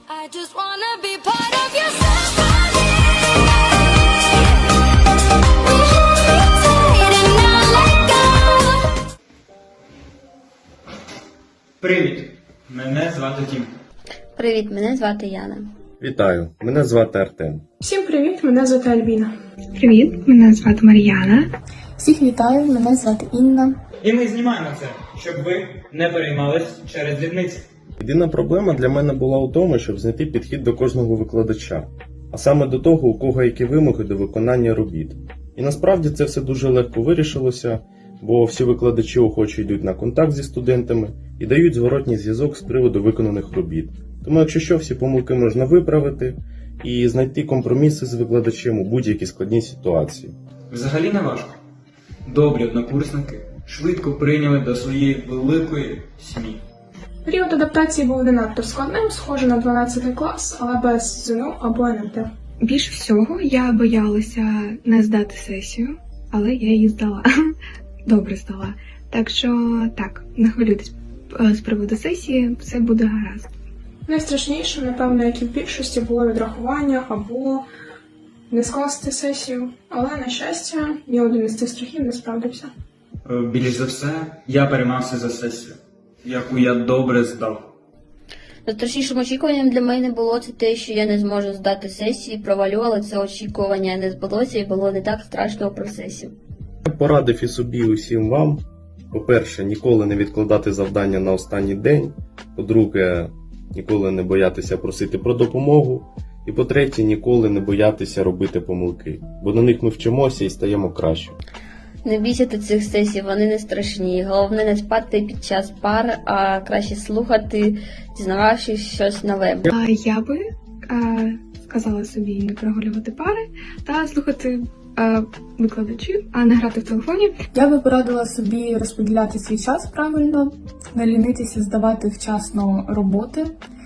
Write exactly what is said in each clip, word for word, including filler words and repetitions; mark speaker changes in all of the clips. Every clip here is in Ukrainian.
Speaker 1: I just wanna be part of your symphony. We hold it tight and not let go.
Speaker 2: Привіт! Мене звати Тім.
Speaker 3: Привіт, мене звати Яна.
Speaker 4: Вітаю, мене звати Артем.
Speaker 5: Всім привіт, мене звати Альбіна.
Speaker 6: Привіт, мене звати Мар'яна.
Speaker 7: Всіх вітаю, мене звати Інна.
Speaker 2: І ми знімаємо це, щоб ви не переймались через дрібниці.
Speaker 4: Єдина проблема для мене була у тому, щоб знайти підхід до кожного викладача, а саме до того, у кого які вимоги до виконання робіт. І насправді це все дуже легко вирішилося, бо всі викладачі охоче йдуть на контакт зі студентами і дають зворотній зв'язок з приводу виконаних робіт. Тому якщо що, всі помилки можна виправити і знайти компроміси з викладачем у будь-якій складній ситуації.
Speaker 2: Взагалі не важко. Добрі однокурсники швидко прийняли до своєї великої сім'ї.
Speaker 5: Період адаптації був не надто складним, схоже на дванадцятий клас, але без ЗНО або ен ем те.
Speaker 6: Більше всього я боялася не здати сесію, але я її здала. Добре здала. Так що так, не хвилюйтесь з приводу сесії, все буде гаразд.
Speaker 5: Найстрашніше, напевно, як і в більшості, було відрахування або не скласти сесію. Але, на щастя, ні один із цих страхів не справдився.
Speaker 2: Е, Більш за все, я переймався за сесію, яку я добре здав.
Speaker 3: Найстрашнішим очікуванням для мене було це те, що я не зможу здати сесії, провалю, але це очікування не збулося і було не так страшно у процесі.
Speaker 4: Я порадив і собі, і усім вам. По-перше, ніколи не відкладати завдання на останній день. По-друге, ніколи не боятися просити про допомогу. І по-третє, ніколи не боятися робити помилки. Бо на них ми вчимося і стаємо краще.
Speaker 3: Не бійся цих сесій, вони не страшні. Головне не спати під час пар, а краще слухати, дізнававшись щось нове.
Speaker 6: А я би е, сказала собі не прогулювати пари та слухати е, викладачів, а не грати в телефоні.
Speaker 7: Я би порадила собі розподіляти свій час правильно, не лінитися здавати вчасно роботи,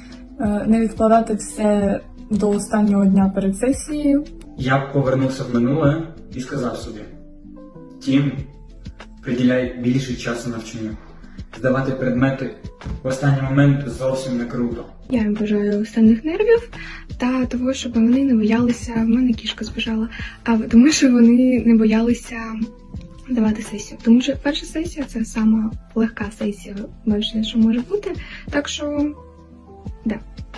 Speaker 7: е, не відкладати все до останнього дня перед сесією.
Speaker 2: Я б повернувся в минуле і сказав собі: Тім, приділяй більше часу навчанню. Здавати предмети в останній момент зовсім не круто.
Speaker 6: Я їм бажаю останніх нервів та того, щоб вони не боялися, в мене кішка збіжала, а тому що вони не боялися давати сесію. Тому що перша сесія – це сама легка сесія, більше, що може бути. Так що, да,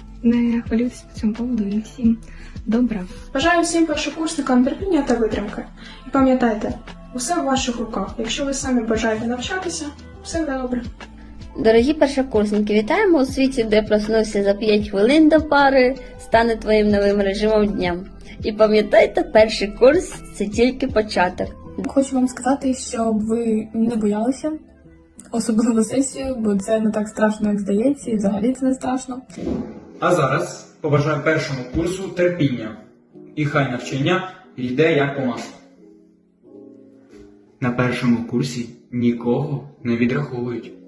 Speaker 6: не хвилюйтесь по цьому поводу і всім добра.
Speaker 5: Бажаю всім першокурсникам терпіння та витримки. І пам'ятайте, усе в ваших руках. Якщо ви самі бажаєте навчатися, все буде добре.
Speaker 3: Дорогі першокурсники, вітаємо у світі, де проснувся за п'ять хвилин до пари, стане твоїм новим режимом дня. І пам'ятайте, перший курс – це тільки початок.
Speaker 7: Хочу вам сказати, щоб ви не боялися, особливо сесію, бо це не так страшно, як здається, і взагалі це не страшно.
Speaker 2: А зараз побажаю першому курсу терпіння. І хай навчання йде як по маслу. На першому курсі нікого не відраховують.